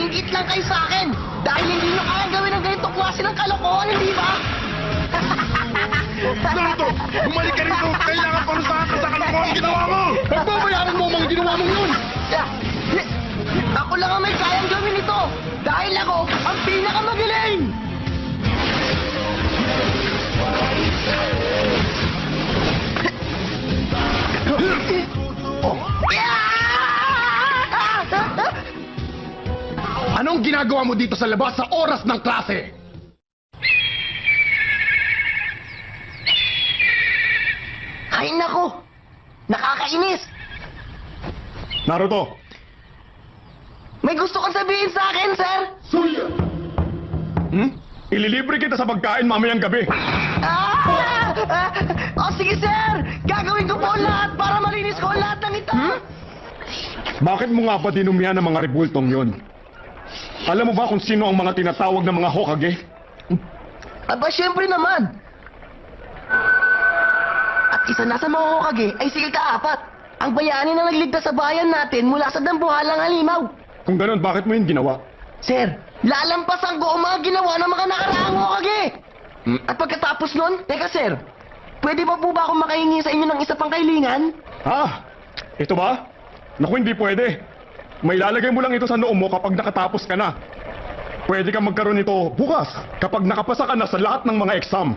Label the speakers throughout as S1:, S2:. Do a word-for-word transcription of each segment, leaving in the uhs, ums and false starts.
S1: Nainggit lang kayo sa akin dahil hindi nyo kayang gawin ang ganitong klase ng kalokohan, hindi ba?
S2: Naruto! Bumalik ka rito! Kailangan parusahan ka sa kalokohan ginawa mo! Pagbabayaran mo ang mga ginawa mong yun!
S1: Ako lang ang may kayang gawin ito dahil ako ang pinakamagaling!
S2: Anong ginagawa mo dito sa labas sa oras ng klase?
S1: Ay nako! Nakakainis!
S2: Naruto!
S1: May gusto kang sabihin sa akin, sir?
S2: Suya! Hmm? Ililibre kita sa pagkain mamayang gabi.
S1: Ah! Ah! O sige, sir! Gagawin ko po ang lahat para malinis ko ang lahat ng ito!
S2: Hmm? Bakit mo nga ba dinumihan ng mga rebultong yon? Alam mo ba kung sino ang mga tinatawag na mga Hokage?
S1: Aba, syempre naman! At isa na sa mga Hokage ay si Ika-apat, ang bayani na nagligtas sa bayan natin mula sa dambuhalang halimaw.
S2: Kung ganun, bakit mo yun ginawa?
S1: Sir, lalampasan ko ang mga ginawa ng mga nakaraang Hokage!
S2: Hmm?
S1: At pagkatapos nun, teka sir, pwede ba po ba akong makahingi sa inyo ng isa pang kailingan?
S2: Ah! Ito ba? Naku, hindi pwede. May lalagay mo lang ito sa noo mo kapag nakatapos ka na. Pwede kang magkaroon nito bukas kapag nakapasa ka na sa lahat ng mga exam.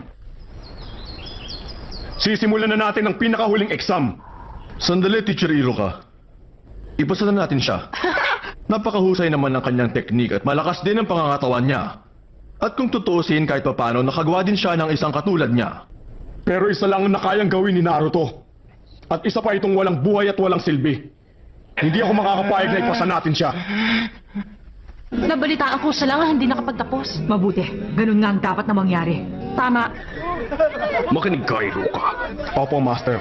S2: Sisimulan na natin ang pinakahuling exam.
S3: Sandali, Teacher Iruka. Ipasa na natin siya. Napakahusay naman ng kanyang teknik at malakas din ang pangangatawan niya. At kung tutuusin kahit papano, nakagawa din siya ng isang katulad niya.
S2: Pero isa lang ang nakayang gawin ni Naruto. At isa pa itong walang buhay at walang silbi. Hindi ako makakapayag na ipasa natin siya.
S4: Nabalitaan ko siya lang ang hindi nakapagtapos.
S5: Mabuti. Ganun nga ang dapat na mangyari.
S4: Tama.
S3: Makinig ka, Iruka.
S2: Opo, Master.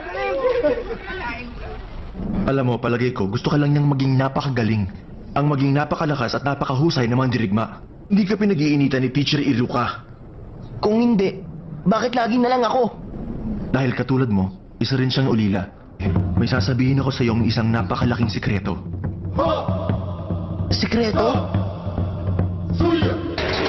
S3: Alam mo, palagay ko, gusto ka lang niyang maging napakagaling. Ang maging napakalakas at napakahusay na mandirigma. Hindi ka pinag-iinitan ni Teacher Iruka.
S1: Kung hindi, bakit lagi na lang ako?
S3: Dahil katulad mo, isa rin siyang ulila. May sasabihin ako sa iyong isang napakalaking sikreto.
S1: Sikreto?
S2: Suya!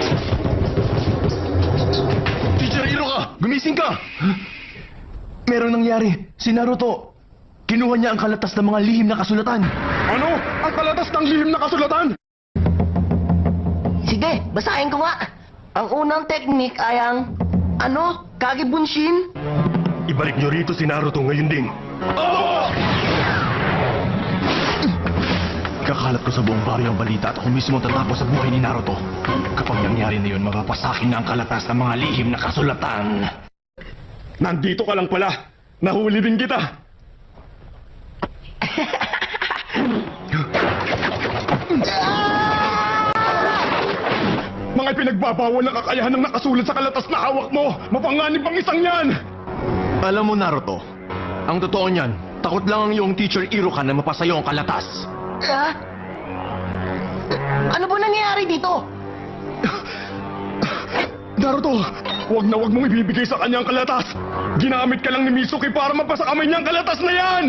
S3: Teacher Iruka! Gumising ka! Merong nangyari. Si Naruto. Kinuha niya ang kalatas ng mga lihim na kasulatan.
S2: Ano? Ang kalatas ng lihim na kasulatan?
S1: Sige, basahin ko nga. Ang unang teknik ay ang, ano, Kage Bunshin?
S3: Ibalik niyo rito si Naruto ngayon din. Kakalat ko sa buong baryo ang balita at ako mismo tatapos sa buhay ni Naruto. Kapag nangyari na yun, mapapasakin na ang kalatas ng mga lihim na kasulatan.
S2: Nandito ka lang pala. Nahuli din kita. Mga pinagbabawal na kakayahan ng nakasulat sa kalatas na hawak mo. Mapanganib ang isang yan.
S3: Alam mo, Naruto, ang totoo niyan, takot lang ang iyong Teacher Iruka na mapasayo ang kalatas.
S1: Ah? Ano ba nangyayari dito?
S2: Naruto, wag na wag mong ibibigay sa kanya ang kalatas. Ginamit ka lang ni Mizuki para mapasa kamay niya ang kalatas na yan.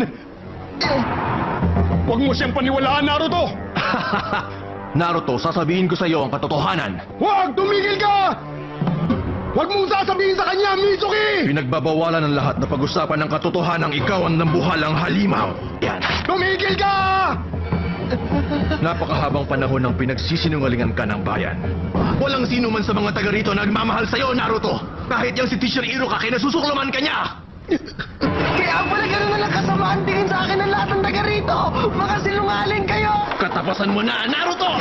S2: Wag mo siyang paniwalaan, Naruto.
S3: Naruto, sasabihin ko sa iyo ang katotohanan.
S2: Wag! Tumigil ka! Wag mong sasabihin sa kanya, Mizuki!
S3: Pinagbabawalan ng lahat na pag-usapan ng katotohanan ikaw ang nambuhalang halimaw. Yan.
S2: Tumigil ka!
S3: Napakahabang panahon ng pinagsisinungalingan ka ng bayan. Walang sino man sa mga taga rito na nagmamahal sa iyo, Naruto. Kahit yung si Teacher Iruka, kinasusuklaman ka niya.
S1: Kaya pala ganun na lang kasamaan tingin sa akin ng lahat ng taga rito. Mga sinungaling kayo!
S3: Katapasan mo na, Naruto!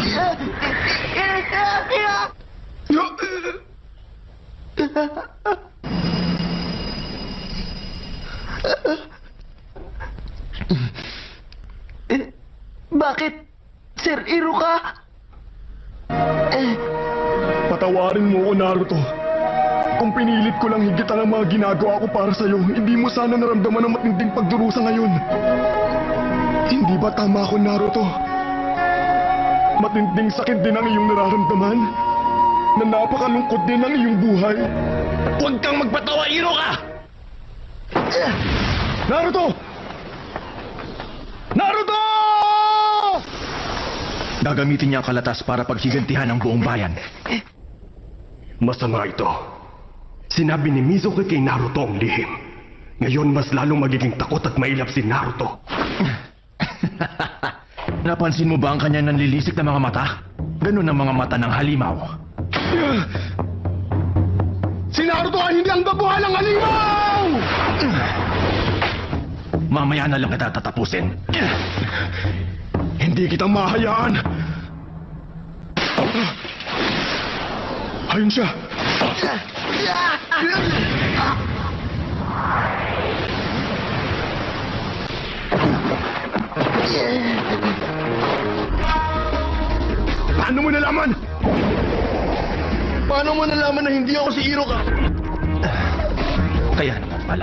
S1: Bakit? Sir Iruka? Eh,
S2: Patawarin mo ko, Naruto. Kung pinilit ko lang higit ang mga ginagawa ko para sa'yo, hindi mo sana naramdaman ang matinding pagdurusa ngayon. Hindi ba tama ako, Naruto? Matinding sakit din ang iyong nararamdaman. Na napakalungkot din ang iyong buhay.
S3: Huwag kang magpatawa, Iruka!
S2: Naruto! Naruto!
S3: Gagamitin niya ang kalatas para paghigantihan ang buong bayan.
S2: Masama ito. Sinabi ni Mizuki kay Naruto ang lihim. Ngayon mas lalong magiging takot at mailap si Naruto.
S3: Napansin mo ba ang kanyang nanlilisik na mga mata? Ganun ang mga mata ng halimaw.
S2: Si Naruto ay hindi ang dabuhalang halimaw!
S3: Mamaya na lang kita tatapusin.
S2: Hindi kita mahayaan. Ayun siya. Paano mo nalaman?
S3: Paano mo nalaman na hindi ako si Iroka? Kaya naman pala.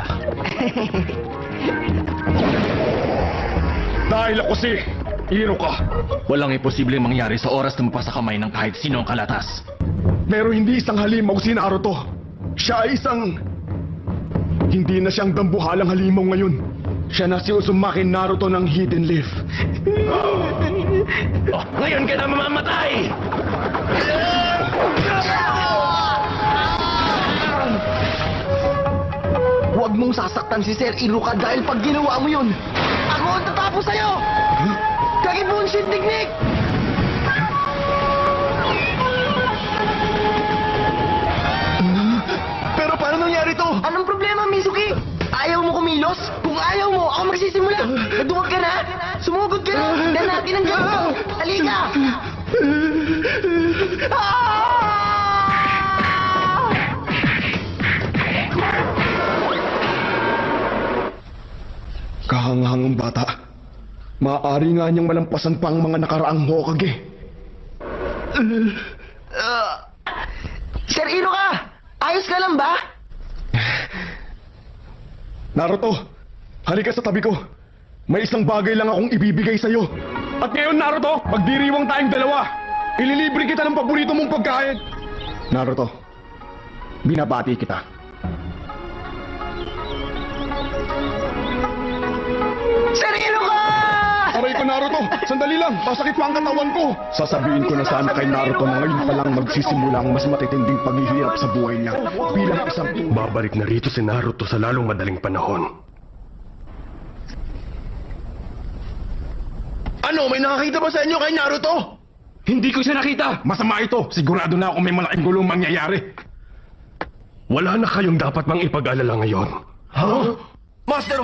S2: Dahil ako si Iroka.
S3: Walang imposibleng mangyari sa oras na mapasa kamay ng kahit sino ang kalatas.
S2: Pero hindi isang halimaw si Naruto. Siya ay isang... Hindi na siyang dambuhalang halimaw ngayon. Siya na si Uzumaki Naruto ng Hidden Leaf.
S3: Oh, ngayon ka na mamamatay!
S1: Huwag mong sasaktan si Sir Iruka dahil pag ginawa mo yun, ako ang tatapos sa'yo! Kagi bullshit technique!
S2: Pero paano nangyari to?
S1: Anong problema, Mizuki? Ayaw mo kumilos? Kung ayaw mo, ako magsisimula. Nadungog ka na? Sumugod ka na? Tignan natin ang gawin ko. Halika! Ah!
S2: Kahangahangang bata. Maaari nga niyang malampasan pa ang mga nakaraang Hokage.
S1: Sir Iruka! Ayos ka lang ba?
S2: Naruto, halika sa tabi ko. May isang bagay lang akong ibibigay sa'yo. At ngayon, Naruto, magdiriwang tayong dalawa. Ililibre kita ng paborito mong pagkain. Naruto, binabati kita.
S1: Sir Iruka!
S2: Aray ko, Naruto! Sandali lang! Masakit pa ang katawan ko! Sasabihin ko na sana kay Naruto na ngayon pa lang magsisimula ang mas matitinding paghihirap sa buhay niya bilang isang... Babalik na rito si Naruto sa lalong madaling panahon.
S3: Ano? May nakakita ba sa inyo kay Naruto?
S2: Hindi ko siya nakita! Masama ito! Sigurado na ako may malaking gulong mangyayari. Wala na kayong dapat mang ipag-alala ngayon.
S3: Huh? Master